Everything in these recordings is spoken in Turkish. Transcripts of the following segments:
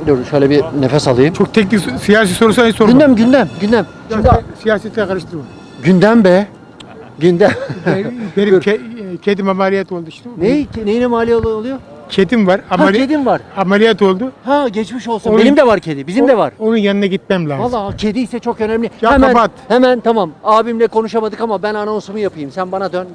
Dur şöyle bir nefes alayım. Çok teknik siyasi sorusu hiç sorma. Gündem. Şimdi Siyasetle karıştırma. gündem be. Gündem. Benim kedim ameliyat oldu işte. Neyine mali oluyor? Kedim var. Kedim var. Ameliyat oldu. Ha geçmiş olsun. Onun- Benim de var kedi. Bizim de var. Onun yanına gitmem lazım. Valla kedi ise çok önemli. Ya kapat. Hemen tamam. Abimle konuşamadık ama ben anonsumu yapayım. Sen bana dön.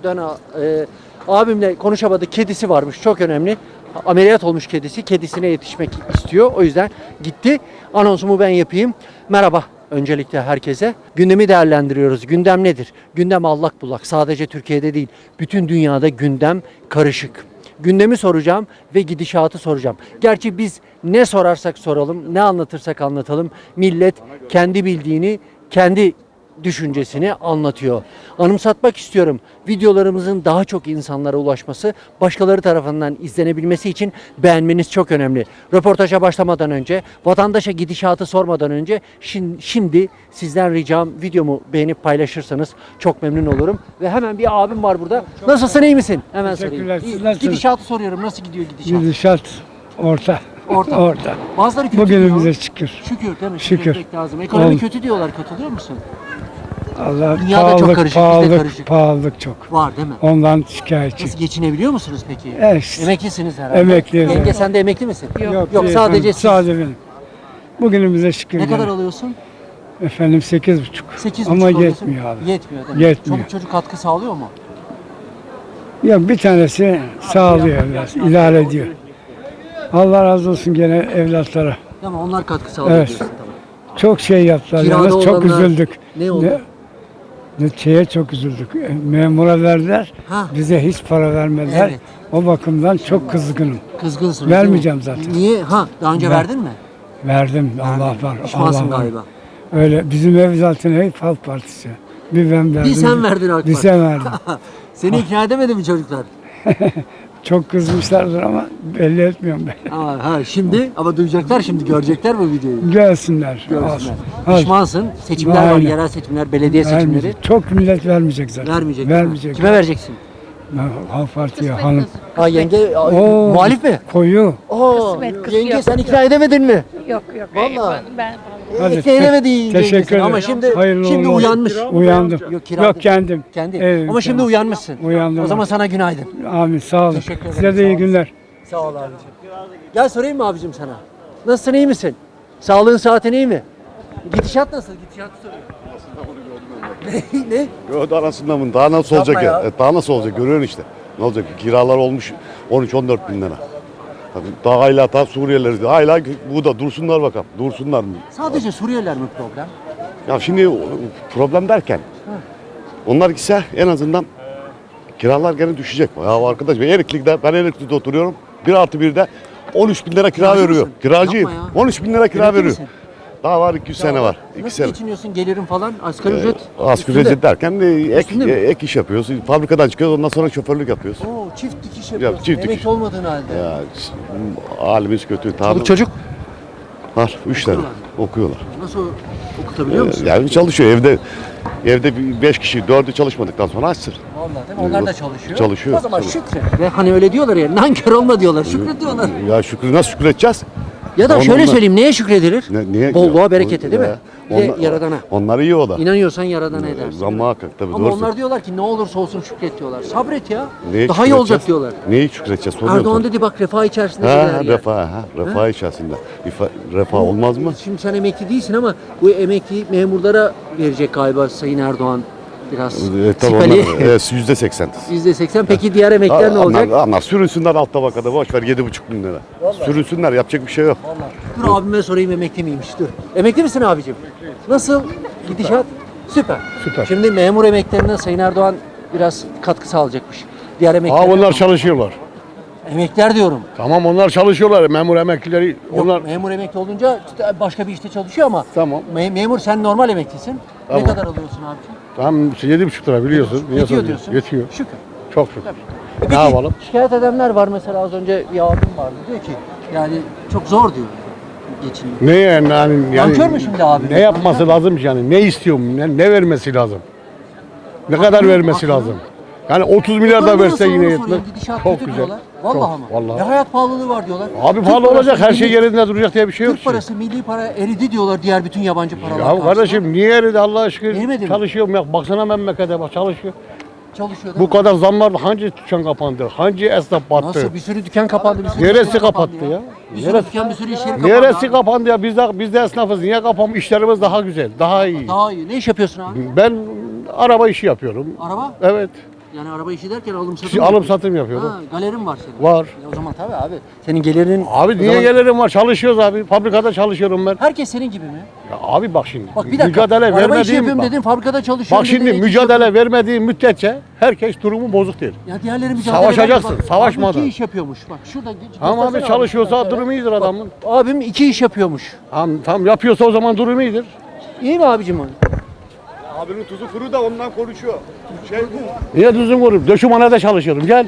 Abimle konuşamadık. Kedisi varmış. Çok önemli. Ameliyat olmuş kedisi. Kedisine yetişmek istiyor. O yüzden gitti. Anonsumu ben yapayım. Merhaba. Öncelikle herkese. Gündemi değerlendiriyoruz. Gündem nedir? Gündem allak bullak. Sadece Türkiye'de değil. Bütün dünyada gündem karışık. Gündemi soracağım ve gidişatı soracağım. Gerçi biz ne sorarsak soralım, ne anlatırsak anlatalım, millet kendi bildiğini, kendi düşüncesini anlatıyor. Anımsatmak istiyorum. Videolarımızın daha çok insanlara ulaşması, başkaları tarafından izlenebilmesi için beğenmeniz çok önemli. Röportaja başlamadan önce, vatandaşa gidişatı sormadan önce şimdi sizden ricam videomu beğenip paylaşırsanız çok memnun olurum. Ve hemen bir abim var burada. Nasılsın, iyi misin? Hemen sorayım. Teşekkürler, siz İyi. nasılsınız? Gidişatı soruyorum. Nasıl gidiyor gidişat? Gidişat orta. Orta. Bazıları kötü Bugünümüze diyor. şükür. Şükür değil mi? Şükür. Etmek lazım. Ekonomi Oldu. kötü diyorlar. Katılıyor musun? Allah Dünyada çok karışık, bizde karışık. pahalılık çok. Var değil mi? Ondan şikayetçi. Nasıl geçinebiliyor musunuz peki? Evet. Emeklisiniz herhalde. Emekliyim. Yenge sen de emekli misin? Yok değil, sadece siz. sadece benim. Bugünümüze şükür. Ne kadar gene. alıyorsun? Efendim 8,5. 8,5 Ama alıyorsun. yetmiyor abi. Yetmiyor değil mi? Yetmiyor. Çoluk çocuk katkı sağlıyor mu? Ya bir tanesi sağlıyor biraz, idare ediyor. Allah razı olsun gene evlatlara. Değil mi? Onlar katkı sağlıyor Evet. diyorsun tamam. Çok şey yaptılar. Kirada Yalnız çok olanlar- üzüldük. Ne oldu? Şeye çok üzüldük. Memura verdiler. Ha. Bize hiç para vermediler. Evet. O bakımdan çok kızgınım. Kızgınsın. Vermeyeceğim zaten. Niye? Ha daha önce Ver- verdin mi? Verdim. Allah var. Pişmansın Allah var. galiba. Öyle bizim ev zaten hep Halk Partisi. Bir ben verdim. Bir sen verdin AK Bir Parti. sen verdin. Seni ikna edemedi mi çocuklar? Çok kızmışlardır ama belli etmiyorum ben. Şimdi ama duyacaklar şimdi görecekler bu videoyu. Gelsinler. Görsünler. Olsun. Az. Pişmansın. Seçimler var, Aynen. yerel seçimler, belediye seçimleri. Vermeyecek. Çok millet vermeyecek zaten. Vermeyecek. değil mi? Vermeyecek. Kime vereceksin? Halk Parti'ye hanım. Ha yenge Oo, muhalif mi? Koyu. Oo, Kısmet, yenge yok, sen yok. ikna edemedin mi? Yok yok. Vallahi. Ben Hadi, İkna edemedi yengesini teşekkür ederim. ama şimdi Hayırlı şimdi uğurlu olsun. uyanmış. Uyandım. Yok, kirada- Yok kendim. Kendi. Evet, Ama şimdi kendim. uyanmışsın. Uyandım. O zaman sana günaydın. Amin sağ olun. Teşekkür ederim, Size sağ de iyi olun. günler. Sağ ol abicim. Gel sorayım mı abicim sana? Nasılsın, iyi misin? Sağlığın, saatin iyi mi? Gidişat nasıl? Gidişatı soruyorum. Ne? Yo, daha arasında mı? Daha nasıl Yapma olacak ya. ya? Daha nasıl olacak? Görüyorsun işte. Ne olacak? Kiralar olmuş 13-14 bin lira. Tabii daha hala daha Suriyeliler. Hala bu da dursunlar bakalım. Dursunlar mı? Sadece Suriyeliler mi problem? Ya şimdi problem derken onlar gitse en azından kiralar gene düşecek. Ya arkadaş ben Erikli'de oturuyorum. 1+1'de 13 bin lira kira Kiracı veriyor. mısın? Kiracıyım. Yapma ya. 13 bin lira kira Emekli veriyor. misin? Daha var 200 sene var. 2 Nasıl sene. geçiniyorsun? Gelirin falan asgari ücret. Asgari üstünde. ücret derken Üstünde mi? ek iş yapıyoruz. Fabrikadan çıkıyoruz ondan sonra şoförlük yapıyoruz. Oo, çift dikiş yapıyorsun. çift Emekli dikiş. olmadığın halde. Ya halimiz kötü. Çoluk çocuk Var. 3 tane okuyorlar. nasıl okutabiliyor musun? Yani çalışıyor evde 5 kişi 4'ü çalışmadıktan sonra açsın. Vallahi değil mi? Onlar da çalışıyor. Çalışıyor, O zaman çalışıyor. şükret. Ve hani öyle diyorlar ya, nankör olma diyorlar. Şükret diyorlar. Ya nasıl şükredeceğiz? Ya da şöyle Onlar- söyleyeyim, neye şükredilir? Niye? Bolluğa, berekete değil mi? Bir de Onlar- Yaradana. Onlar iyi o da. İnanıyorsan Yaradana edersin. Zammı hakkak tabii. Ama doğru onlar diyorlar ki ne olursa olsun şükret diyorlar. Sabret ya. Neye Daha iyi olacak şükredeceğiz? diyorlar. Neyi şükredeceğiz? Soruyorum Erdoğan sana. dedi bak refah içerisinde Ha, dediler ya. refah içerisinde. Refah olmaz mı? Şimdi sen emekli değilsin ama bu emekli memurlara verecek galiba Sayın Erdoğan biraz Tabii sipali. onlar %80. %80. Peki diğer emekliler ne olacak? Ama sürünsünler alt tabakada boş ver 7,5 bin lira. Sürünsünler yapacak bir şey yok. Dur abime sorayım emekli miymiş dur. Emekli misin abicim? Nasıl gidişat? Süper. Süper. Şimdi memur emeklilerine Sayın Erdoğan biraz katkı sağlayacakmış. Diğer emekliler. Onlar çalışıyorlar. Emekliler diyorum. Tamam onlar çalışıyorlar. Memur emeklileri Yok, onlar memur emekli olunca işte başka bir işte çalışıyor ama. Tamam. Memur sen normal emeklisin. Tamam. Ne kadar alıyorsun abicim? tam 7,5 lira biliyorsun. Niye Yetiyor soruyorsun? diyorsun. Yetiyor. Şükür. Çok şükür. Peki, Ne yapalım? şikayet edenler var mesela az önce bir abim vardı diyor ki yani çok zor diyor geçiniyor. Ne yani Nankör mü şimdi abi? Ne yapması lazım ki yani? Ne istiyorum? Ne vermesi lazım? Ne kadar vermesi haklı. lazım? Yani 30 milyar da Ekonomi verse nasıl yine onu yetmez. soruyorum. Gidişat Çok kötü güzel. diyorlar. Vallahi Çok, ama. vallahi. Ya hayat pahalılığı var diyorlar. Abi Türk pahalı parası, olacak, her şey milli- yerinde duracak diye bir şey yok Türk ki. parası, milli para eridi diyorlar diğer bütün yabancı paralar Ya karşısında. kardeşim niye eridi Allah aşkına? Erimedi mi? Çalışıyorum ya. Baksana memlekete bak çalışıyor. Çalışıyor değil Bu mi? kadar zamlarla hangi dükkan kapandı? Hangi esnaf battı? Nasıl bir sürü dükkan kapandı, bir sürü Neresi iş yeri kapattı ya? Bir sürü Neresi- dükkan, bir sürü iş yeri kapandı. Neresi abi. kapandı ya? Biz de esnafız. Niye kapanmış? İşlerimiz daha güzel, daha iyi. Daha iyi. Ne iş yapıyorsun abi? Ben araba işi yapıyorum. Araba? Evet. Yani araba işi derken alım satım mı Alım yapıyorsun? satım yapıyorum. Ha, galerin var senin. Var. O zaman tabii abi. Senin gelirin... Abi o niye zaman- gelirim var? Çalışıyoruz abi. Fabrikada çalışıyorum ben. Herkes senin gibi mi? Ya abi bak şimdi. Bak bir dakika. mücadele Araba işi vermediğim yapıyorum bak. dedin, fabrikada çalışıyorum Bak şimdi dedin, ek iş mücadele yapıyorum. vermediğim müddetçe herkes durumu bozuk değil. Ya diğerleri mücadele Savaşacaksın, ederken bak, savaşmadan. Abi 2 iş yapıyormuş. Bak şurada Ama abi göstersene çalışıyorsa şurada. durumu iyidir adamın. Abim 2 iş yapıyormuş. Tam yapıyorsa o zaman durumu iyidir. İyi mi abicim o? Abinin tuzu kuru da ondan konuşuyor. Niye düzgün vurup? Döşümanede çalışıyorum gel.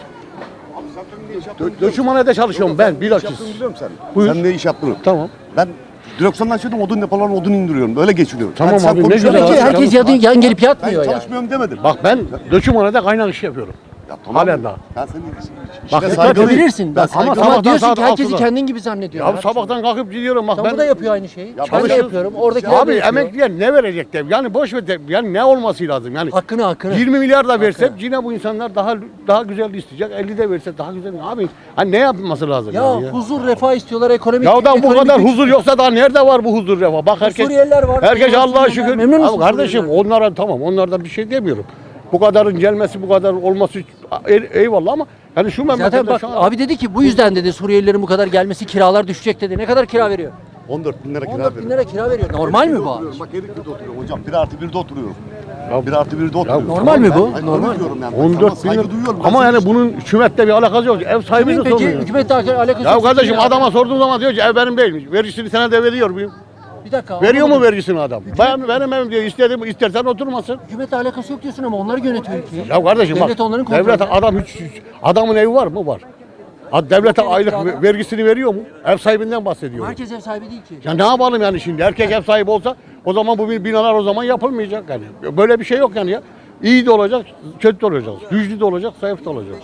Döşümanede çalışıyorum ben bilakis. Biliyorum sen. Buyur. Sen ne iş yaptın? Tamam. Ben direksiyondan açıyordum, odun depolarına odun indiriyorum. Böyle geçiriyorum. Tamam sen abi, ne konuşuyorsun. güzel Herkes, abi. herkes yan gelip Ben yatmıyor yani. çalışmıyorum demedim. Bak ben döşümanede kaynak işi yapıyorum. Ya tamam. Halen daha. Ben senin Bak, işine saygılıyım. Yapabilirsin. Ben Bak, ama saygılıyım. diyorsun saat ki herkesi 6'da. kendin gibi zannediyor. Ya sabahtan kalkıp gidiyorum bak Sen ben. bu da yapıyor aynı şeyi. Ben de çalışıyorum. yapıyorum. Oradakiler de Abi yapıyor. emekliye ne verecek de yani boş ver de yani ne olması lazım yani. Hakkını. 20 milyar da versek yine bu insanlar daha güzel isteyecek. 50 de verse daha güzel. Abi hani ne yapması lazım Ya yani ya? huzur, refah istiyorlar, ekonomik. Ya da bu ekonomik kadar güç huzur yoksa daha nerede var bu huzur refah? Bak herkes Suriyeliler var. herkes Suriyeliler, Allah'a şükür. memnun musun Abi kardeşim Suriyelilerden? onlara tamam onlardan bir şey demiyorum. Bu kadarın gelmesi bu kadar olması eyvallah ama hani şu memlekette Zaten bak şu an abi dedi ki bu yüzden dedi Suriyelilerin bu kadar gelmesi kiralar düşecek dedi. Ne kadar kira veriyor? 14 bin lira kira 14 bin veriyorum. lira kira veriyor. Normal mi bu abi? Bak Erikli'de oturuyorum hocam. 1+1'de oturuyorum. Ya- 1+1'de oturuyorum. normal mi bu? Ben Normal. öyle diyorum yani. 14 bin Saygı lira. duyuyorum. Ben Ama senin yani bunun hükümetle bir alakası yok. Ev sahibi de Peki soruyor. hükümetle alakası Ya yok. kardeşim Ya. adama sorduğum zaman diyor ki ev benim değilmiş. Vergisini sana da veriyor muyum? Bir dakika. Veriyor mu anlamadım. vergisini adam? Benim evim diyor. İstersen oturmasın. Hükümetle alakası yok diyorsun ama onlar yönetiyor ülkeyi. Ya kardeşim Devlet bak. onların Devlet kontrolünde. adam hiç adamın evi var mı? Var. Devlete aylık vergisini veriyor mu? Ev sahibinden bahsediyor. Herkes ev sahibi değil ki. Ya ne yapalım yani şimdi? Herkes ev sahibi olsa o zaman bu binalar o zaman yapılmayacak yani. Böyle bir şey yok yani ya. İyi de olacak, kötü de olacak. Güçlü de olacak, zayıf da olacak.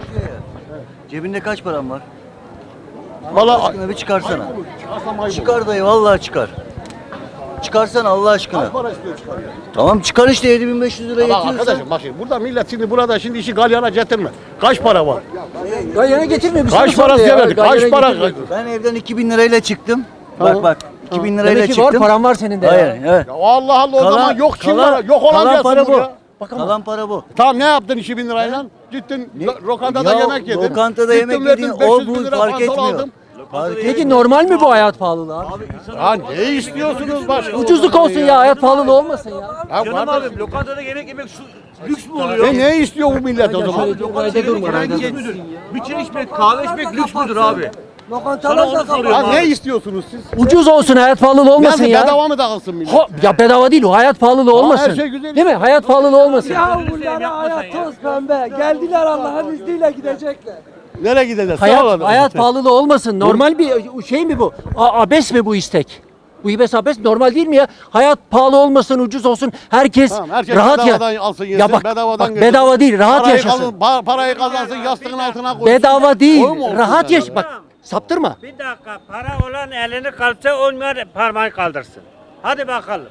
Cebinde kaç paran var? Vallahi Aşkına bir çıkarsana. Çıkar dayı vallahi çıkar. Çıkarsana Allah aşkına. para istiyor çıkar ya. Tamam çıkar işte 7500 lira Bak yetiyorsa. arkadaşım bak şimdi burada millet şimdi burada şimdi işi galyana getirme. Kaç para var? Galyana getirmiyor. bir Kaç soru para sordu ya. verdik? Galyana Kaç para? getirmiyor. Ben evden 2000 lirayla çıktım. Tamam. Bak 2000 lirayla Demek ki çıktım. var paran var senin de. Hayır, ya. evet. Ya Allah Allah o zaman yok kim var? Yok olan kalan gelsin para bu. buraya. Kalan para bu. Tamam ne yaptın 2000 lirayla? Gittin lokantada Ya, yemek yedin. lokantada Gittin yemek verdin, yedin, 500 o bu bin lira fark pantolon etmiyor. aldım. Peki normal mi bu hayat pahalılığı abi? Ya ne istiyorsunuz başka? Ucuzluk olsun ya, hayat pahalılığı olmasın ya. Ya Canım kardeşim, abim lokantada yemek yemek lüks mü oluyor? ne istiyor bu millet o zaman? Rayda durma, rayda Yemek durma. müdür? Bir çay içmek, kahve içmek lüks müdür abi? Sana onu soruyorum Ya ne abi. istiyorsunuz siz? Ucuz olsun, hayat pahalılığı olmasın Yani ya. bedava mı dağılsın millet? Ya bedava değil o, hayat pahalılığı olmasın. her şey güzel. Değil mi? Hayat pahalılığı olmasın. Ya bunlara hayat toz Pembe. Geldiler Allah'ın izniyle gidecekler. Nereye gideceğiz? Sağ olun. Hayat pahalılığı olmasın. Normal bir şey mi bu? Abes mi bu istek? Bu ibes abes normal değil mi ya? Hayat pahalı olmasın, ucuz olsun. Herkes, Tamam, herkes rahat bedavadan ya. alsın, yesin, Ya bak, bedavadan bak yesin. bedava değil, rahat Parayı yaşasın. parayı kazansın yastığın altına koysun. Bedava değil, O mu olsun rahat yani? yaş. Bak saptırma. Bir dakika, para olan elini kalsa olmayan parmağı kaldırsın. Hadi bakalım.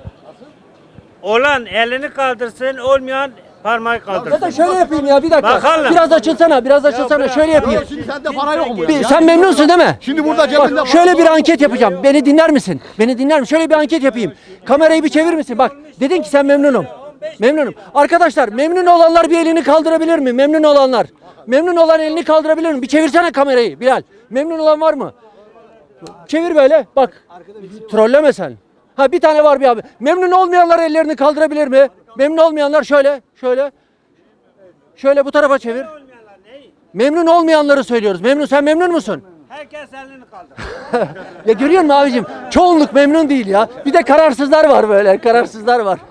Olan elini kaldırsın, olmayan parmağı Ya da kaldırsın. şöyle yapayım ya bir dakika. Bakalım. Biraz açılsana, biraz açılsana. Şöyle yapayım. Şimdi sende para yok mu? Sen memnunsun değil mi? Şimdi burada cebinde Bak şöyle bir anket yapacağım. Beni dinler misin? Beni dinler misin? Şöyle bir anket yapayım. Kamerayı bir çevir misin? Bak dedin ki sen memnunum. Memnunum. Arkadaşlar memnun olanlar bir elini kaldırabilir mi? Memnun olanlar. Memnun olan elini kaldırabilir mi? Bir çevirsene kamerayı Bilal. Memnun olan var mı? Çevir böyle. Bak. Trolleme sen. Ha bir tane var bir abi. Memnun olmayanlar ellerini kaldırabilir mi? Memnun olmayanlar şöyle. Şöyle. Şöyle bu tarafa çevir. Memnun olmayanları söylüyoruz. Sen memnun musun? Herkes elini kaldır. Ya görüyor musun abicim? Çoğunluk memnun değil ya. Bir de kararsızlar var böyle. Kararsızlar var.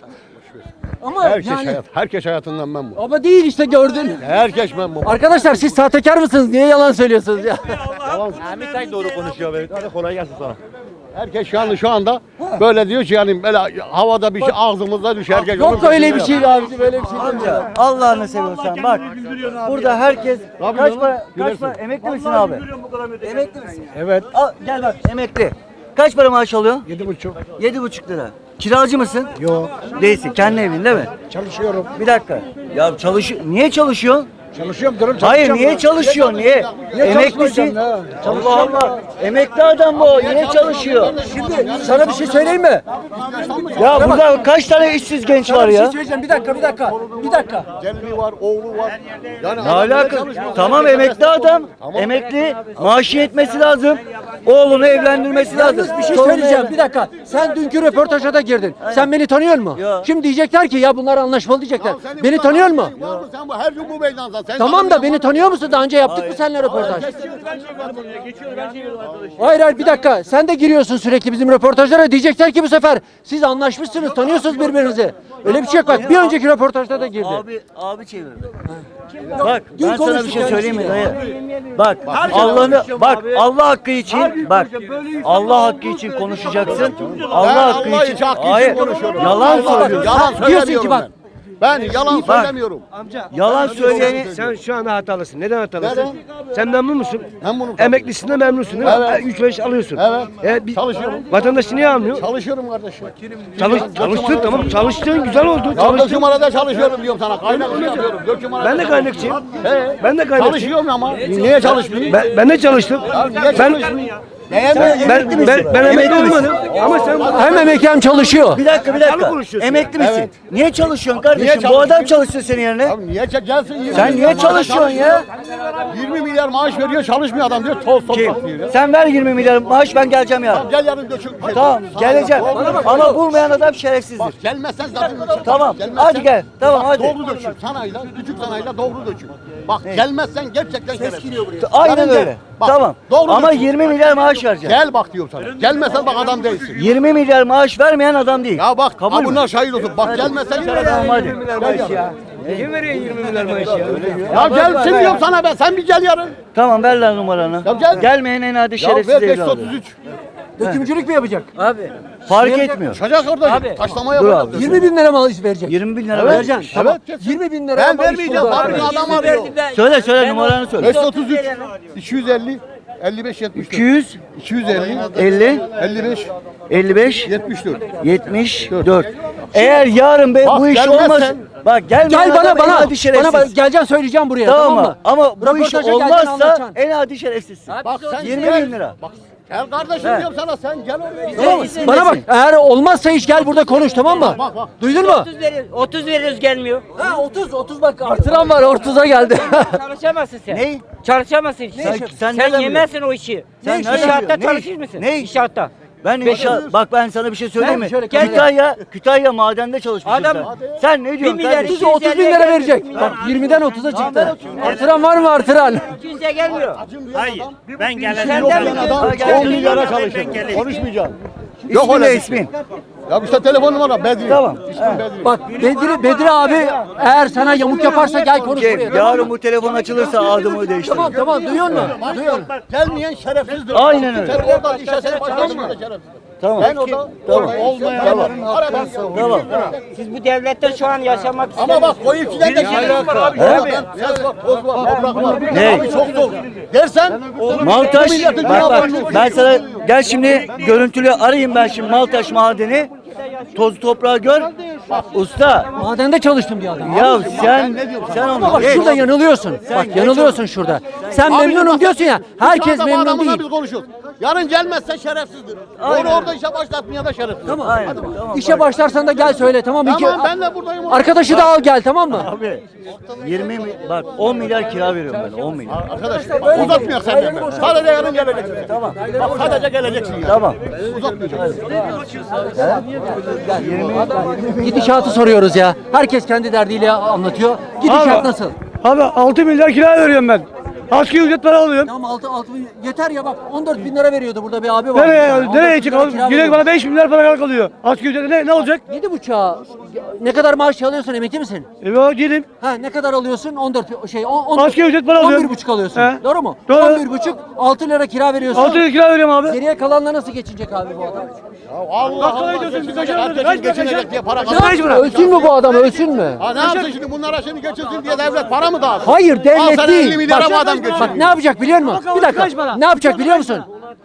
Ama Herkes hayatından memnun. ama değil işte gördün. Herkes memnun. Arkadaşlar siz sahtekar mısınız? Niye yalan söylüyorsunuz ya? Ahmet Ay doğru konuşuyor be. Hadi kolay gelsin sana. Herkes şu anda böyle diyor ki yani böyle havada bir şey ağzımızda düşer. Herkes Yok onun öyle bir peşinde şey abicim, öyle bir şey değil. Amca Allah'ını seviyorsan bak. Burada herkes kaç para emekli misin abi? Emekli misin? Evet. Al, gel bak emekli. Kaç para maaş alıyorsun? 7,5. 7,5 lira. Kiracı mısın? Yok. Değilsin. Kendi evin değil mi? Çalışıyorum. Bir dakika. Ya niye çalışıyorsun? Çalışıyorum durum Hayır niye çalışıyorsun? Niye? Emeklisin. Allah Allah. Emekli adam bu. Niye çalışıyor? Şimdi sana bir şey söyleyeyim mi? Ya burada kaç tane işsiz genç var Bir şey ya? söyleyeceğim. Bir dakika. Gelini var, oğlu var. Yani Ne alaka? Tamam emekli adam. Emekli maaşı yetmesi lazım. Oğlunu evlendirmesi lazım. Yalnız bir şey Torununu söyleyeceğim. Bir dakika. Sen dünkü röportaja da girdin. Sen beni tanıyor musun? Yok. Şimdi diyecekler ki ya bunlar anlaşmalı diyecekler. Senin Beni bu tanıyor kadar musun? şeyin var mı? Sen bu her gün bu meydanda. Sen Tamam da beni tanıyor musun? Daha önce yaptık mı seninle röportaj? Hayır bir dakika. Sen de giriyorsun sürekli bizim röportajlara. Diyecekler ki bu sefer siz anlaşmışsınız, tanıyorsunuz birbirinizi. Öyle bir şey yok bak. Bir önceki röportajda da girdi. Abi çevirdi. Bak Dün ben sana bir konuştuk şey yani söyleyeyim mi şimdi. dayı? Bak Allah'ını bak Allah hakkı için bak Allah hakkı için konuşacaksın. Allah hakkı Allah için. için hakkı için Hayır. konuşuyorum. Yalan söylüyorsun. Yalan Diyorsun ki söylemiyorum bak. ben. Ben yalan Bak. söylemiyorum. Yalan söyleyeni Sen şu anda hatalısın. Neden hatalısın? Neden? Sen memnun musun? Memnunum. Emeklisin de memnunsun değil mi? Evet. 3-5 alıyorsun. Evet. Çalışıyorum. Vatandaş niye almıyor? Çalışıyorum kardeşim. Çalıştın tamam. Çalıştın güzel oldu. Ya Çalıştın. dökümanada çalışıyorum diyorum sana. Kaynak yapıyorum. Dökümanada Ben de kaynakçıyım. He. Ben de kaynakçıyım. Çalışıyorum ama. Niye çalışmıyorsun? Ben de çalıştım. Niye Ben çalışmıyorsun? ben emekli olmadım. Ama sen Hem emekli hem çalışıyor. bir dakika. Yalan konuşuyorsun. Emekli misin? Evet. Niye çalışıyorsun kardeşim? Niye Bu çalışıyorsun? adam çalışsın senin yerine. Abi niye gelsin 20 Sen niye milyar maaş çalışıyorsun ya? 20 milyar maaş veriyor çalışmıyor adam diyor toz toprak diyor ya. Sen ver 20 milyar maaş ben geleceğim ya. Gel yarın dökül. Tamam geleceğim. Ama bulmayan adam şerefsizdir. Gelmezsen zaten Tamam, Gelmezsen- hadi gel. Tamam, Bak, hadi. Doğru dökül. Sanayla, küçük sanayla doğru dökül. Bak gelmezsen gerçekten şerefsiz. Aynen Yarın öyle. gel. Bak, Tamam. Doğru Ama dökül. 20 milyar maaş vereceksin. Gel bak diyorum sana. Gelmezsen bak adam değilsin. 20 milyar maaş vermeyen adam değil. Ya bak Kabul ha mü? bunlar şahit olsun. Bak gelmezsen şerefsiz. Tamam hadi. kim veriyor 20 milyar maaş ya? Ya gelsin diyorum sana ben. Sen bir gel yarın. Tamam ver lan numaranı. Ya gel. Gelmeyen en adi Ya şerefsiz ver evladı. 533. Dökümcülük mü yapacak? Abi fark etmiyor. Çıkacak orada. Taşlama Dur yapacak. 20 bin lira mı verecek? 20 bin lira Evet. ver. Vereceksin. Tamam. Evet. 20 bin lira. Ben vermeyeceğim. Fabrika adam arıyor. Söyle numaranı söyle. 533 250 55 74. 200 250 50 55 55 74. 74. Eğer yarın Bak, bu iş gelmezsen- olmaz. Bak gelmeyen Gel adam en bana adi şerefsiz. geleceksin söyleyeceğim buraya Tamam tamam mı? mı? Ama bu iş Röportaja geleceksin, olmazsa anlatacaksın. en adi şerefsizsin. Bak sen 20 gel. bin lira. Bak gel kardeşim He. diyorum sana sen gel oraya. Tamam mı? İsim Bana bak nesin? eğer olmazsa iş gel burada konuş tamam mı? Bak, bak. Duydun mu? 30 veriyoruz gelmiyor. Ha 30 bak artıran var 30'a geldi. Çalışamazsın sen. Ney? Çalışamazsın. Sen nereden yemezsin o işi. Sen nereden İnşaatta biliyorsun? Ne çalışır iş? mısın? Ne iş? İnşaatta. Ben inşaat bak ben sana bir şey söyleyeyim mi? şöyle gel. Kütahya madende çalışmışsın Adam- sen. Sen ne diyorsun milyar kardeşim? 30 bin lira verecek. Bak 20'den 30'a çıktı. Artıran var mı artıran? Kimse gelmiyor. Hayır. Ben geleceğim. Yok Senden yani adam Ha, gel. 10 milyara Ben çalışıyor. geleceğim. Konuşmayacaksın. İsmin öyle ne bir şey. ismin? Ya işte telefon numara Bedri. Tamam. İsmim Bedri. Bak Bedri abi eğer sana yamuk yaparsa gel konuş Şey, buraya. tamam yarın mı? bu telefon açılırsa adımı değiştir. Tamam duyuyor musun? Duyuyor musun? Gelmeyen şerefsizdir. Aynen öyle. Sen oradan işe seni başlasın da şerefsiz. Tamam. Ben orada olmayanların aradan Tamam. Siz bu devlette şu an yaşamak Ama bak koyu içinden de şerefsiz var abi. Ses var, toz var, toprak var. Ne? Abi çok zor. Dersen Maltaş, milletin bak cevabını- ben sana gel şimdi görüntülü arayayım ben şimdi Maltaş madeni. Toz toprağı gör. Usta Madende çalıştım diyor adam. ya sen Ama onu bak geç. şurada yanılıyorsun. Bak yanılıyorsun şurada. Sen memnunum diyorsun ya. Herkes Şu anda bu memnun adamla değil. biz konuşuyoruz. Yarın gelmezse şerefsizdir. Onu orada işe başlatmaya da şerefsiz. Tamam. Aynen, tamam. İşe başlarsan da gel söyle tamam mı? Tamam ben de buradayım. Arkadaşı da al gel tamam mı? Abi 20 bak 10 milyar kira veriyorum ben 10 milyar. Arkadaş bak, uzatmayak senden ben. Sadece yarın geleceksin. Tamam. Bak sadece geleceksin ya. Tamam. Uzatmayacaksın. Gidişatı soruyoruz ya. Herkes kendi derdiyle anlatıyor. Gidişat nasıl? Abi 6 milyar kira veriyorum ben. Asgari ücret para alıyorum. Tamam 6 yeter ya bak 14 bin lira veriyordu burada bir abi var. Nereye, Yani, nereye 14 bin lira çıkalım? kira Direkt veriyordu. bana 5 milyar para kalıyor. Asgari ücret ne olacak? 7,5'a ne kadar maaş alıyorsun, emekli misin? Girdim. Ha ne kadar alıyorsun? 14 Asgari ücret para alıyorum. 11,5 alıyorsun. He. Doğru mu? Doğru. 11,5 6 lira kira veriyorsun. 6 lira kira veriyorum abi. Geriye kalanla nasıl geçinecek abi bu adam? Kaç ödüyorsun? Kaç Herkesin geçinecek diye para Ne kazanıyor. yapsın? Ölsün mü bu adam? Ölsün mü? Ha ne yapsın şimdi bunlara şimdi geçirsin diye devlet para mı dağıtsın? Hayır Al devlet sana değil. 50 milyara Bak, bu adam geçiriyor. bak ne yapacak biliyor musun? Bak, Bir kaç dakika. para? Ne yapacak biliyor musun?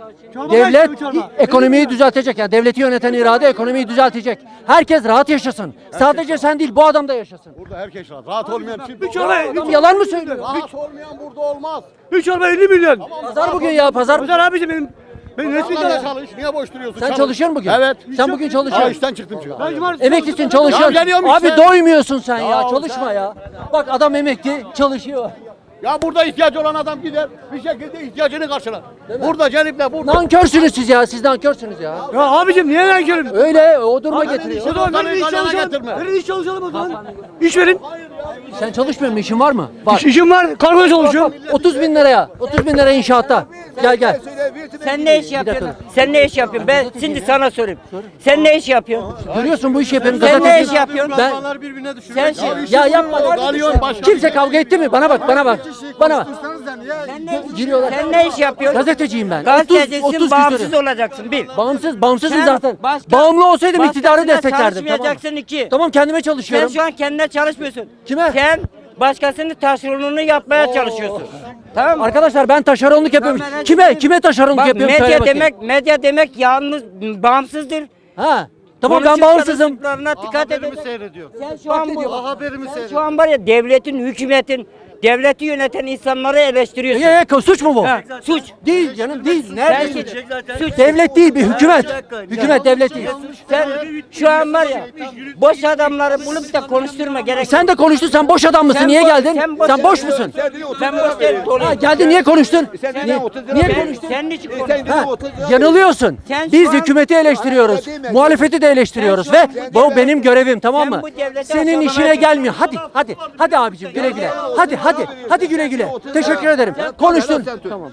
Devlet ekonomiyi düzeltecek. Yani devleti yöneten irade ekonomiyi düzeltecek. Herkes rahat yaşasın. Sadece sen değil bu adam da yaşasın. Burada herkes rahat. Rahat olmayan kim? Bir çorba, Adam yalan mı söylüyor? Rahat olmayan burada olmaz. bir çorba 50 milyon. Pazar bugün ya pazar. Pazar abicim benim resmi Sen de de. çalış. Niye boş duruyorsun? Sen Çalış. çalışıyor musun bugün? Evet. Sen bugün Ha çalışıyorsun. işten çıktım çünkü. Ben cumartesi Emeklisin Ya çalışıyorsun. geliyorum Abi işte. doymuyorsun sen ya. Ya Çalışma sen- ya. Bak adam emekli çalışıyor. Ya burada ihtiyacı olan adam gider bir şekilde ihtiyacını karşılar. Burada celiple burada. Nankörsünüz siz ya. Siz nankörsünüz ya. Ya abicim niye lan körüm? Öyle o duruma getiriyor. O zaman verin iş Galyana çalışalım. getirme. Verin iş çalışalım o zaman. İş verin. Sen çalışmıyor musun? İşin var mı? Var. İşim var. Kargoda çalışıyorum. 30 bin liraya. 30 bin liraya inşaatta. Gel gel. Sen ne iş yapıyorsun? Sen ne iş yapıyorsun? Ben şimdi sana sorayım. Sen ne iş yapıyorsun? Görüyorsun bu işi yapıyorum. Sen ne gazeteci. iş yapıyorsun? Ben Sen şey. ya yapma. Galyon başka. Kimse kavga etti mi? Bana bak, bana bak. Bana bak. Giriyorlar. Sen ne iş yapıyorsun? Gazeteciyim ben. Gazetecisin, 30 bağımsız küsur. olacaksın bir. Bağımsızım Sen zaten. başka- Bağımlı olsaydım iktidarı başkasına desteklerdim. Tamam. Çalışmayacaksın iki. Tamam kendime Sen çalışıyorum. şu an kendine çalışmıyorsun. Kime? Sen başkasının taşeronunu yapmaya çalışıyorsun. Tamam mı? Arkadaşlar ben taşeronluk yapıyorum. Ben- Kime taşeronluk Bak yapıyorum? Söyle medya bakayım. medya demek yalnız bağımsızdır. Ha. Tamam ben bağımsızım. Konuştuklarına dikkat edin. seyrediyor. Sen şu an bu, Haberimi sen şu an var ya devletin, hükümetin, devleti yöneten insanları eleştiriyorsun. Suç mu bu? Ha, suç. Değil canım değil. Sen Nerede? suç. Devlet değil bir hükümet. Hükümet devlet değil. Sen şu an var ya boş adamları bulup da konuşturma gerek. Sen de konuştun sen boş adam mısın? Sen Niye boş- geldin? sen Sen boş musun? Ben boş değilim. Ha, geldin niye konuştun? Niye Sen, konuştun? senin için konuşuyorum. Ha, yanılıyorsun. Sen Biz şu an- hükümeti eleştiriyoruz. Muhalefeti de eleştiriyoruz Sen ve şu an bu benim görevim tamam sen mı? bu devleti Senin aşağılamaya işine gelmiyor. Hadi abicim güle güle. Hadi güle güle. Teşekkür ederim. Konuştun. Tamam.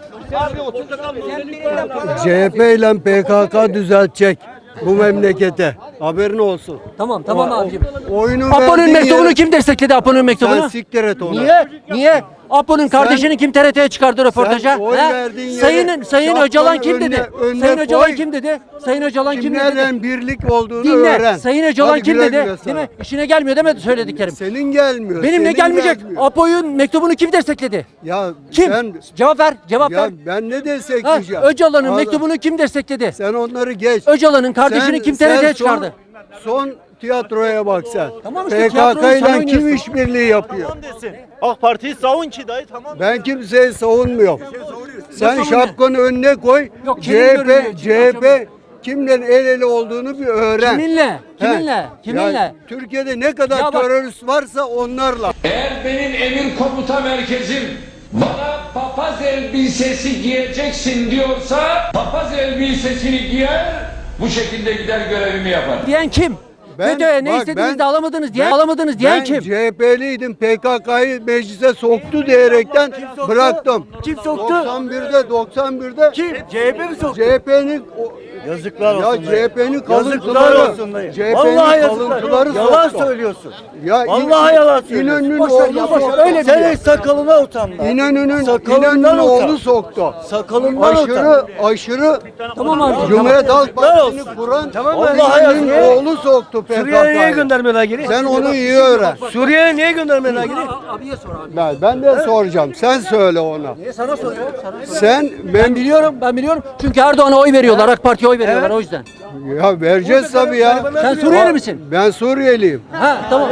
CHP ile PKK düzeltecek bu memlekete. Haberin olsun. Tamam abicim. Oyunu Apo'nun verdiğin mektubunu yere- kim destekledi Apo'nun Sen mektubunu? siktir et onu. Niye? Apo'nun kardeşini kim TRT'ye çıkardı röportaja? Sen oy He? verdiğin yere Sayın şapkanı Öcalan kim dedi? önüne Sayın Öcalan koy. kim dedi? Sayın Öcalan kim dedi? Kimlerden birlik olduğunu Dinle. öğren. Sayın Öcalan Hadi kim güle dedi? güle Değil sana. mi? İşine gelmiyor demedi söylediklerim. Senin gelmiyor. Benimle senin gelmeyecek. gelmiyor. Apo'nun mektubunu kim destekledi? Ya Kim? sen Cevap ver. ya ver. ben ne Ha, destekleyeceğim? Öcalan'ın Allah- mektubunu kim destekledi? Sen onları geç. Öcalan'ın kardeşini Sen- kim sen TRT'ye son- çıkardı? Son tiyatroya bak sen. Tamam işte tiyatroyu PKK sen ile kim oynuyorsun. işbirliği yapıyor? AK Parti'yi savun ki dayı tamam. Ben kimseyi savunmuyorum. Sen savunuyor? şapkanı önüne koy. Yok, kimin görünüyor? CHP kimle el ele olduğunu bir öğren. Kiminle? He. Kiminle? Ya, Türkiye'de ne kadar Ya bak- terörist varsa onlarla. Eğer benim emir komuta merkezim bana papaz elbisesi giyeceksin diyorsa papaz elbisesini giyer, bu şekilde gider görevimi yapar. Diyen kim? Ben- FETÖ'ye ne bak istediğinizde ben- alamadınız diyen Ben kim? CHP'liydim. PKK'yı meclise soktu diyerekten bıraktım. Kim soktu? 91'de Kim? CHP mi soktu? CHP'nin Yazıklar ya olsun. CHP'nin Yazıklar kalıntıları. olsun dayı. CHP'nin Vallahi yazıklar. kalıntıları Yalan soktu. söylüyorsun. Ya Vallahi yalan söylüyorsun. İnönü'nün Boş ver oğlu ya, boş ver. soktu. Öyle Senin sakalına utan lan. Sakalından oğlu utan. soktu. Sakalından utan. Aşırı Tamam abi. Cumhuriyet Halk Partisi'ni olsun. kuran Vallahi İnönü'nün yazık. oğlu soktu Suriye'ye niye PKK'yı. göndermiyorlar geri? Sen onu iyi öğren. Suriye'ye niye göndermiyorlar geri? Abiye sor abi. Ben de soracağım. Sen söyle ona. Sana soruyorum. Sen Ben biliyorum. Çünkü Erdoğan'a oy veriyorlar. AK Parti'ye oy veriyorlar o yüzden. ya vereceğiz tabii ya. Sen Suriyeli misin? Ben Suriyeliyim. Ha tamam.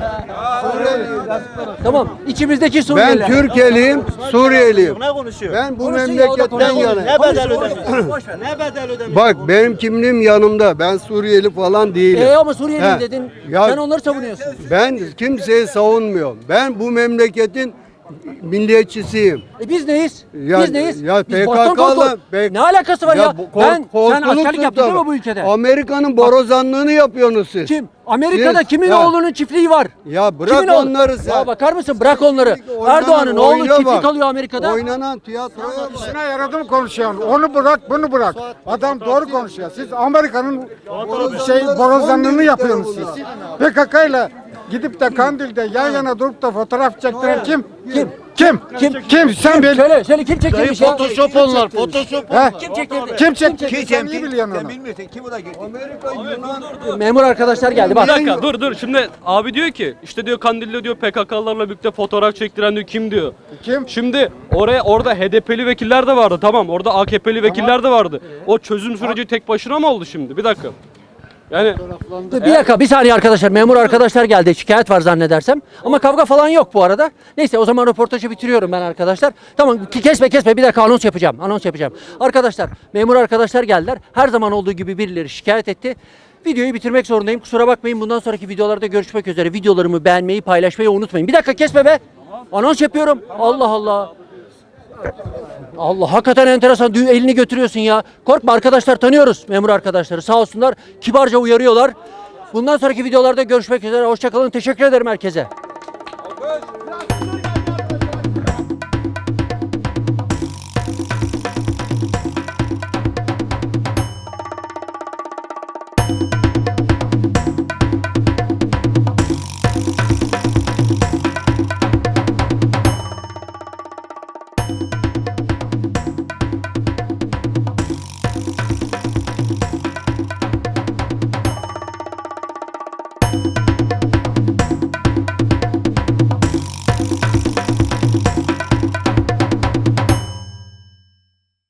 Tamam. İçimizdeki Ben Suriyeliler. Türkiye'liyim, Suriyeliyim. Ne konuşuyor? Ben bu Konuşsun ya, o da memleketten konuşsun. yanayım. Ne bedel ödemiş? Boş ver. Ne bedel ödemiş? Bak benim kimliğim yanımda. Ben Suriyeli falan değilim. Ama Suriyeliyim He. dedin. Ya- Sen onları savunuyorsun. Ben kimseyi savunmuyorum. Ben bu memleketin milliyetçisiyim. Biz neyiz? Ya- Biz neyiz? ya Biz Boston PKK'lı korku. Ne alakası var ya? Sen korkuluk askerlik yaptın değil mi sultanı. bu ülkede? Amerika'nın borazanlığını yapıyorsunuz siz. Kim? Amerika'da Siz- kimin ya- oğlunun çiftliği var? Ya bırak Kimin oğlu? onları sen. Ya bakar mısın? Bırak onları. Oynanan Erdoğan'ın oğlu oyuna çiftlik bak. alıyor Amerika'da. Oynanan tiyatroya bak. İşine yaradı mı konuşuyorsun? Onu bırak, bunu bırak. Adam doğru konuşuyor. Siz Amerika'nın borazanlığını yapıyorsunuz siz. PKK ile gidip de Kandil'de yan yana durup da fotoğraf çektiren kim? Kim? Kim? Kim? Sen bil. Söyle kim çektirmiş ya? Photoshop onlar. Photoshop. He? Kim çektirdi? Kim çekti? Sen iyi biliyorsun onu. Amerika, Yunan, Memur arkadaşlar geldi Bir bak. dakika dur. Şimdi abi diyor ki işte diyor Kandil'de diyor PKK'larla birlikte fotoğraf çektiren diyor kim diyor. Kim? Şimdi orada HDP'li vekiller de vardı tamam. Orada AKP'li vekiller de vardı. O çözüm süreci tek başına mı oldu şimdi? Bir dakika. Yani Bir dakika bir saniye arkadaşlar. Memur arkadaşlar geldi. Şikayet var zannedersem. Ama kavga falan yok bu arada. Neyse o zaman röportajı bitiriyorum ben arkadaşlar. Tamam kesme bir dakika anons yapacağım. Arkadaşlar memur arkadaşlar geldiler. Her zaman olduğu gibi birileri şikayet etti. Videoyu bitirmek zorundayım. Kusura bakmayın. Bundan sonraki videolarda görüşmek üzere. Videolarımı beğenmeyi, paylaşmayı unutmayın. Bir dakika kesme be. Anons yapıyorum. Allah Allah. Allah hakikaten enteresan. Elini götürüyorsun ya. Korkma arkadaşlar tanıyoruz memur arkadaşları. Sağ olsunlar. Kibarca uyarıyorlar. Bundan sonraki videolarda görüşmek üzere. Hoşçakalın. Teşekkür ederim herkese.